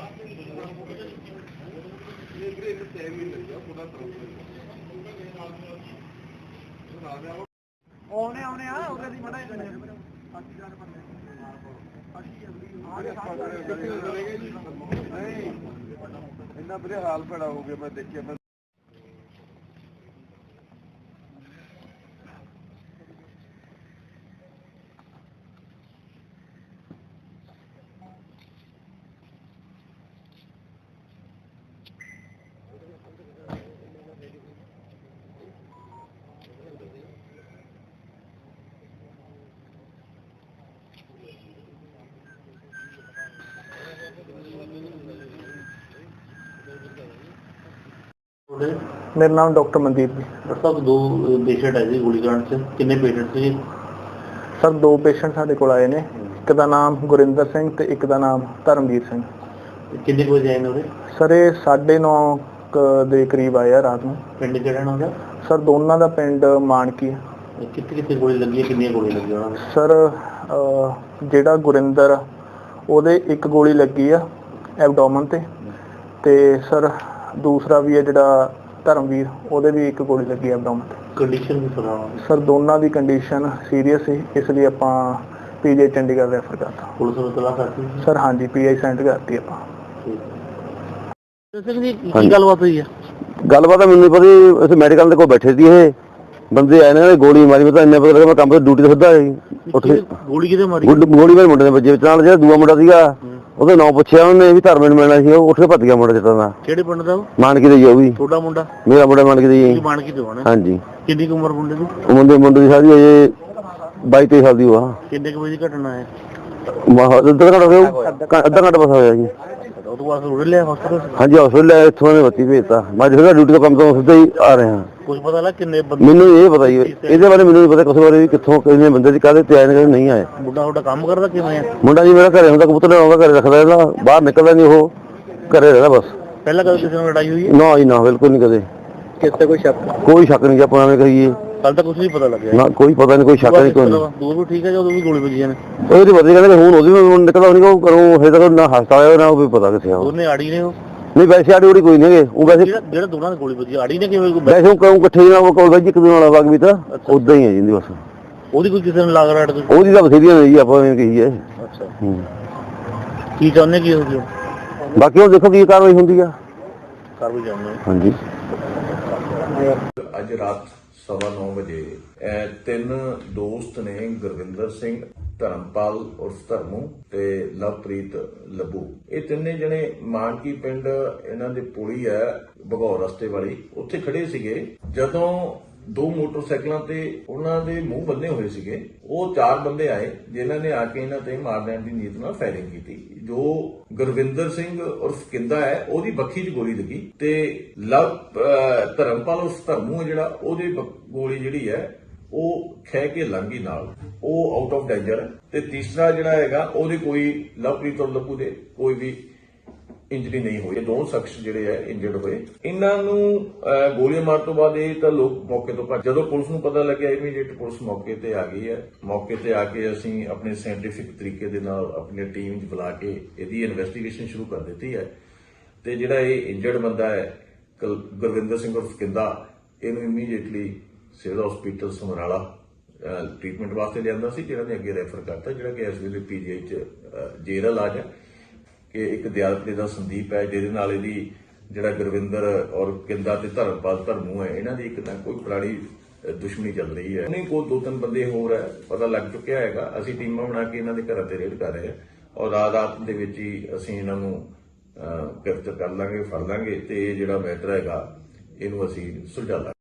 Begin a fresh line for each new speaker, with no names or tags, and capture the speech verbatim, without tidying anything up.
ਆਉਣੇ ਆਉਣੇ ਆ ਉਹਦੇ ਦੀ ਮੜਾ ਇੰਨਾ ਵਧੀਆ ਹਾਲ ਭੈੜਾ ਹੋ ਗਿਆ। ਮੈਂ ਦੇਖਿਆ ਮੈਂ
मेरा नाम डॉक्टर मनदीप जी।
डॉक्टर साहब दो पेशेंट है जी गोलीकांड से, कितने पेशेंट थे?
सर दो पेशेंट साडे कोल आए ने, एक दा नाम गुरिंदर सिंह ते एक दा नाम धर्मवीर सिंह।
कितने बजे आए ने?
सर ये साढ़े नौ दे करीब आए आ रात में।
पिंड किहड़ा ना होगा?
सर दोनों दा पिंड मानकी है।
कितने कितने गोली लगी है, कितनी गोली लगी है?
सर जेड़ा गुरिंदर ओदे एक गोली लगी है एबडोमन ते ते सर दूसरा भी है जिहड़ा धर्मवीर ओदे भी एक गोली लगी एबडोमन ते।
कंडीशन भी सुना
सर दोनों की कंडीशन सीरीयस है, इसलिए आपां पीजीआई चंडीगढ़ रेफर करता।
पुलिस ने तलाश करती?
सर हाँ जी पीजीआई सेंड करती आपां।
की गलबात हुई है?
गलबात मैनूं पता असीं मैडिकल दे कोल बैठे सी, ये बंदे आए ने गोली मारी। मैं इन्ना पता लगा मैं काम ते ड्यूटी ते सिद्धा उठ के
गोली किते मारी?
गोली मेरे मुंडे दे वज्जे विच नाल। जेड़ा दूआ मुंडा सीगा ਉਹਦਾ ਨਾਂ ਪੁੱਛਿਆ ਉਹਨੇ ਵੀ ਧਰਮੇ ਨੂੰ ਮਿਲਣਾ ਸੀ, ਉਹ ਉੱਠ ਕੇ ਭੱਜ ਗਿਆ ਮੁੰਡਾ ਜਿੱਤਾਂ ਦਾ।
ਕਿਹੜੇ ਪਿੰਡ ਦਾ ਉਹ?
ਮਾਨਕੀ ਦਾ ਜੀ। ਉਹ ਵੀ
ਤੁਹਾਡਾ ਮੁੰਡਾ?
ਮੇਰਾ ਮੁੰਡਾ ਮਾਨਕੀ ਦਾ ਜੀ।
ਮਾਨਕੀ ਤੋਂ ਆਣਾ?
ਹਾਂਜੀ।
ਕਿੰਨੀ ਕੁ ਉਮਰ ਮੁੰਡੇ ਦੀ?
ਮੁੰਡੇ ਮੁੰਡੇ ਦੀ ਸਾਰੀ ਅਜੇ ਬਾਈ ਤੇਈ ਸਾਲ ਦੀ ਉਹ ਆ।
ਕਿੰਨੇ ਕੁ ਵਜੇ ਦੀ ਘਟਨਾ ਹੈ?
ਅੱਧਾ ਘੰਟਾ ਹੋਇਆ, ਅੱਧਾ ਘੰਟਾ ਬਸ ਹੋਇਆ ਜੀ।
ਉਹ ਤੋਂ ਬਾਅਦ ਰੋੜ ਲਿਆ ਹਸਪਤਾਲ?
ਹਾਂਜੀ ਹਸਪਤਾਲ ਇੱਥੋਂ ਨੇ ਬੱਤੀ ਭੇਜਤਾ। ਮੈਂ ਜਿਹੜਾ ਡਿਊਟੀ ਤੋਂ ਕੰਮ ਤੋਂ ਸਿੱਧਾ ਹੀ ਆ ਰਿਹਾ।
ਕੁਝ ਪਤਾ ਲੱਗ ਕਿੰਨੇ ਬੰਦੇ?
ਮੈਨੂੰ ਇਹ ਪਤਾ ਜੀ, ਇਹਦੇ ਬਾਰੇ ਮੈਨੂੰ ਨਹੀਂ ਪਤਾ ਕਿਸੇ ਬਾਰੇ ਵੀ ਕਿੱਥੋਂ ਕਿੰਨੇ ਬੰਦੇ ਦੀ ਕਾਹਦੇ ਤੇ ਆਏ ਨੇ ਨਹੀਂ ਆਏ।
ਮੁੰਡਾ ਤੁਹਾਡਾ ਕੰਮ ਕਰਦਾ ਕਿਵੇਂ ਆ?
ਮੁੰਡਾ ਜੀ ਮੇਰਾ ਘਰੇ ਹੁੰਦਾ, ਕਬੂਤਰ ਆਉਂਦਾ ਘਰੇ ਰੱਖਦਾ, ਇਹਦਾ ਬਾਹਰ ਨਿਕਲਦਾ ਨਹੀਂ, ਉਹ ਘਰੇ ਰਹਿੰਦਾ ਬਸ।
ਪਹਿਲਾਂ ਕਦੇ ਕਿਸੇ ਨਾਲ ਲੜਾਈ ਹੋਈ ਹੈ?
ਨਾ ਜੀ ਨਾ, ਬਿਲਕੁਲ ਨਹੀਂ ਕਦੇ।
ਕਿਸੇ ਕੋਈ ਸ਼ੱਕ?
ਕੋਈ ਸ਼ੱਕ ਨਹੀਂ ਜੀ, ਆਪਾਂ ਐਵੇਂ ਕਹੀਏ।
ਕੱਲ ਤੱਕ ਕੁਝ ਨਹੀਂ ਪਤਾ ਲੱਗਿਆ? ਨਾ
ਕੋਈ ਪਤਾ ਨਹੀਂ, ਕੋਈ ਸ਼ੱਕ ਨਹੀਂ। ਕੋਈ
ਦੂਰ ਵੀ ਠੀਕ ਹੈ ਜਦੋਂ ਵੀ ਗੋਲੀ ਵੱਜੀਆਂ ਨੇ?
ਉਹਦੇ ਬੰਦੇ ਕਹਿੰਦੇ ਹੁਣ ਉਹਦੀ ਵੀ ਨਿਕਲਦਾ ਨਹੀਂ, ਉਹ ਕਰੋ ਹਜੇ ਤੱਕ ਨਾ ਹਸਪਤਾਲ ਆਇਆ ਨਾ ਉਹ ਵੀ ਪਤਾ ਕਿੱਥੇ ਆ।
ਉਹਨੇ ਆੜੀ ਨੇ ਉਹ?
ਨਹੀਂ ਵੈਸੇ ਆੜੀ ਉੜੀ ਕੋਈ ਨਹੀਂ ਹੈਗੇ, ਉਹ ਵੈਸੇ
ਜਿਹੜਾ ਦੋਨਾਂ ਦੀ ਗੋਲੀ ਵੱਜੀ ਆੜੀ ਨੇ ਕਿਵੇਂ?
ਵੈਸੇ ਉਹ ਕਹੂੰ ਇਕੱਠੇ ਨਾਲ ਉਹ ਕੋਲ ਵੈਜ ਇੱਕ ਦੂਜੇ ਨਾਲ ਵਗ ਵੀ ਤਾਂ ਉਦਾਂ ਹੀ ਹੈ ਜਿੰਦੀ ਬਸ।
ਉਹਦੀ ਕੋਈ ਕਿਸੇ ਨੂੰ ਲੱਗ ਰਿਹਾ?
ਉਹਦੀ ਤਾਂ ਬਥੇਰੀਆਂ ਨੇ ਜੀ, ਆਪਾਂ ਐਵੇਂ ਕਹੀਏ।
ਅੱਛਾ ਕੀ ਚਾਹੁੰਦੇ ਕੀ ਹੋ ਗਿਆ?
ਬਾਕੀ ਉਹ ਦੇਖੋ ਕੀ ਕਾਰਵਾਈ ਹੁੰਦੀ ਆ।
ਕਾਰਵਾਈ ਚਾਹੁੰਦੇ
ਹਾਂਜੀ।
ਅੱਜ ਰਾਤ ਸਵਾ ਨੌ ਵਜੇ ਤਿੰਨ ਦੋਸਤ ਨੇ, ਗੁਰਵਿੰਦਰ ਸਿੰਘ, ਧਰਮਪਾਲ ਉਰਫ ਧਰਮੂ ਤੇ ਲਵਪ੍ਰੀਤ ਲੱਭੂ, ਇਹ ਤਿੰਨੇ ਜਣੇ ਮਾਨਕੀ ਪਿੰਡ ਇਹਨਾਂ ਦੇ ਪੁਲੀ ਹੈ ਭਗੌਰ ਰਸਤੇ ਵਾਲੀ, ਉੱਥੇ ਖੜੇ ਸੀਗੇ। ਜਦੋਂ ਦੋ ਮੋਟਰਸਾਈਕਲਾਂ ਤੇ ਉਹਨਾਂ ਦੇ ਮੂੰਹ ਬੰਨੇ ਹੋਏ ਸੀਗੇ, ਉਹ ਚਾਰ ਬੰਦੇ ਆਏ ਜਿਨ੍ਹਾਂ ਨੇ ਆ ਕੇ ਇਹਨਾਂ ਤੇ ਮਾਰ ਦੇਣ ਦੀ ਨੀਅਤ ਨਾਲ ਫਾਇਰਿੰਗ ਕੀਤੀ। ਜੋ ਗੁਰਵਿੰਦਰ ਸਿੰਘ ਉਰਫ ਕਿੰਦਾ ਹੈ ਉਹਦੀ ਬੱਖੀ 'ਚ ਗੋਲੀ ਲੱਗੀ ਤੇ ਲਵ ਧਰਮਪਾਲ ਉਰਫ ਧਰਮੂ ਜਿਹੜਾ ਉਹਦੇ ਗੋਲੀ ਜਿਹੜੀ ਹੈ ਉਹ ਖਹਿ ਕੇ ਲੰਘੀ ਨਾਲ, ਉਹ ਆਊਟ ਆਫ ਡੇਂਜਰ। ਤੇ ਤੀਸਰਾ ਜਿਹੜਾ ਹੈਗਾ ਉਹਦੇ ਕੋਈ ਲਵਪ੍ਰੀਤ ਔਰ ਲੱਭੂ ਦੇ ਕੋਈ ਵੀ ਇੰਜਰੀ ਨਹੀਂ ਹੋਈ। ਦੋ ਸ਼ਖਸ ਜਿਹੜੇ ਹੈ ਇੰਜਰਡ ਹੋਏ। ਇਹਨਾਂ ਨੂੰ ਗੋਲੀਆਂ ਮਾਰਨ ਤੋਂ ਬਾਅਦ ਇਹ ਤਾਂ ਲੋਕ ਮੌਕੇ ਤੋਂ ਭੱਜ। ਜਦੋਂ ਪੁਲਿਸ ਨੂੰ ਪਤਾ ਲੱਗਿਆ ਇਮੀਡੀਏਟ ਪੁਲਿਸ ਮੌਕੇ ਤੇ ਆ ਗਈ ਹੈ। ਮੌਕੇ ਤੇ ਆ ਕੇ ਅਸੀਂ ਆਪਣੇ ਸਾਇੰਟੀਫਿਕ ਤਰੀਕੇ ਦੇ ਨਾਲ ਆਪਣੀ ਟੀਮ 'ਚ ਬੁਲਾ ਕੇ ਇਹਦੀ ਇਨਵੈਸਟੀਗੇਸ਼ਨ ਸ਼ੁਰੂ ਕਰ ਦਿੱਤੀ ਹੈ। ਤੇ ਜਿਹੜਾ ਇਹ ਇੰਜਰਡ ਬੰਦਾ ਹੈ ਗੁਰਵਿੰਦਰ ਸਿੰਘ ਉਰਫ ਕਿੰਦਾ, ਇਹਨੂੰ immediately civil hospital Samrala treatment ਵਾਸਤੇ ਲਿਆਂਦਾ ਸੀ, ਜਿਹੜਾ ਨੇ ਅੱਗੇ ਰੈਫਰ ਕਰਤਾ, ਜਿਹੜਾ ਕਿ ਇਸ ਵੇਲੇ ਪੀਜੀਆਈ 'ਚ ਜੇਰ ਇਲਾਜ ਹੈ। ਕਿ ਇੱਕ ਦਿਆਲਪੁਰੇ ਦਾ ਸੰਦੀਪ ਹੈ ਜਿਹਦੇ ਨਾਲ ਇਹਦੀ ਜਿਹੜਾ ਗੁਰਵਿੰਦਰ ਔਰ ਕਿੰਦਾ ਤੇ ਧਰਮਪਾਲ ਧਰਮੂ ਹੈ, ਇਹਨਾਂ ਦੀ ਇੱਕ ਤਾਂ ਕੋਈ ਪੁਰਾਣੀ ਦੁਸ਼ਮਣੀ ਚੱਲ ਰਹੀ ਹੈ। ਨਹੀਂ ਕੋਲ ਦੋ ਤਿੰਨ ਬੰਦੇ ਹੋਰ ਹੈ, ਪਤਾ ਲੱਗ ਚੁੱਕਿਆ ਹੈਗਾ। ਅਸੀਂ ਟੀਮਾਂ ਬਣਾ ਕੇ ਇਹਨਾਂ ਦੇ ਘਰਾਂ ਤੇ ਰੇਡ ਕਰ ਰਹੇ ਹਾਂ ਔਰ ਰਾਤ ਰਾਤ ਦੇ ਵਿੱਚ ਹੀ ਅਸੀਂ ਇਹਨਾਂ ਨੂੰ ਗ੍ਰਿਫਤਾਰ ਕਰ ਲਾਂਗੇ, ਫੜ ਲਾਂਗੇ ਤੇ ਇਹ ਜਿਹੜਾ ਮੈਟਰ ਹੈਗਾ ਇਹਨੂੰ ਅਸੀਂ ਸੁਲਝਾ ਲਾਂਗੇ।